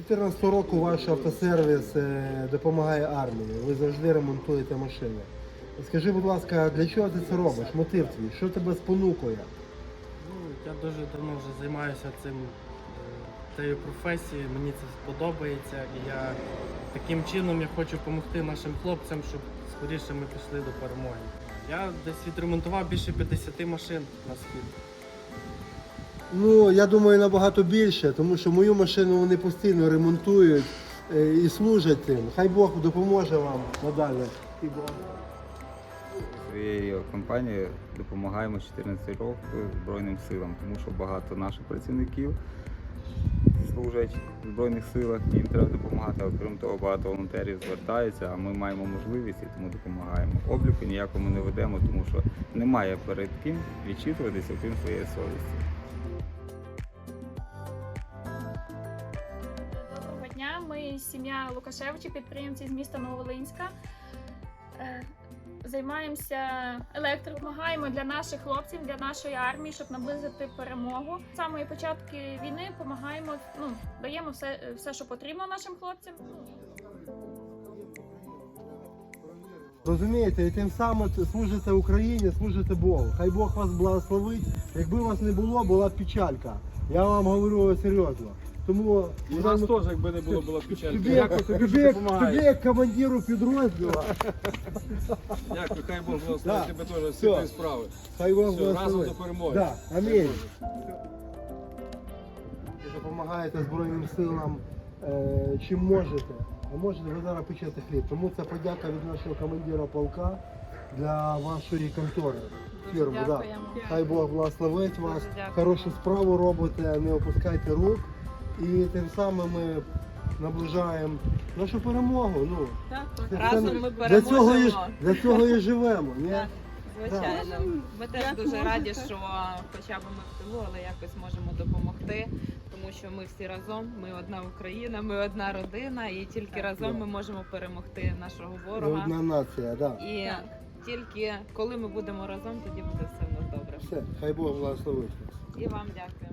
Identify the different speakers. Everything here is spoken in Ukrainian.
Speaker 1: 2014 року ваш автосервіс допомагає армії. Ви завжди ремонтуєте машини. Скажи, будь ласка, для чого ти це робиш? Мотив твій? Що тебе спонукує?
Speaker 2: Я дуже давно вже займаюся цією професією, мені це сподобається і я таким чином хочу допомогти нашим хлопцям, щоб скоріше ми пішли до перемоги. Я десь відремонтував більше 50 машин на схід.
Speaker 1: Ну, я думаю, набагато більше, тому що мою машину вони постійно ремонтують і служать тим. Хай Бог допоможе вам надалі.
Speaker 3: Своєю компанією допомагаємо 14 років Збройним силам, тому що багато наших працівників служать в Збройних силах, і їм треба допомагати. Окрім того, багато волонтерів звертаються, а ми маємо можливість і тому допомагаємо. Обліку ніякому не ведемо, тому що немає перед ким відчитуватися, окрім своєї совісті.
Speaker 4: Доброго дня, ми сім'я Лукашевичів, підприємці з міста Нововолинська. Займаємося електрикою, допомагаємо для наших хлопців, для нашої армії, щоб наблизити перемогу. З самої початку війни допомагаємо, даємо все, що потрібно нашим хлопцям.
Speaker 1: Розумієте, і тим самим служите Україні, служите Богу. Хай Бог вас благословить. Якби вас не було, була б печалька. Я вам говорю серйозно. Тому
Speaker 5: У нас теж, якби не було, була печалька.
Speaker 1: тобі як командиру підрозділу.
Speaker 5: Дякую, хай Бог благословить тебе теж всі
Speaker 1: Все.
Speaker 5: твої справи.
Speaker 1: Хай Бог
Speaker 5: Все, разом
Speaker 1: благословить.
Speaker 5: до перемоги.
Speaker 1: Да, амінь. Допомагаєте Збройним силам чим можете. А можете ви зараз печете хліб. Тому це подяка від нашого командира полка для вашої контори. Фірму, да.
Speaker 4: Дякуємо.
Speaker 1: Хай Бог благословить вас,
Speaker 4: дякую.
Speaker 1: хорошу справу робите, не опускайте рук. І тим самим ми наближаємо нашу перемогу. Ну,
Speaker 6: Разом ми
Speaker 1: для цього і живемо. Ні?
Speaker 6: Так, звичайно. Ми теж дуже раді, що хоча б ми в тилу, але якось можемо допомогти, тому що ми всі разом, ми одна Україна, ми одна родина, і тільки разом ми можемо перемогти нашого
Speaker 1: Ми
Speaker 6: ворога.
Speaker 1: одна нація, да.
Speaker 6: І тільки коли ми будемо разом, тоді буде все в нас добре.
Speaker 1: Все, хай Бог благословить вас.
Speaker 6: І вам дякую.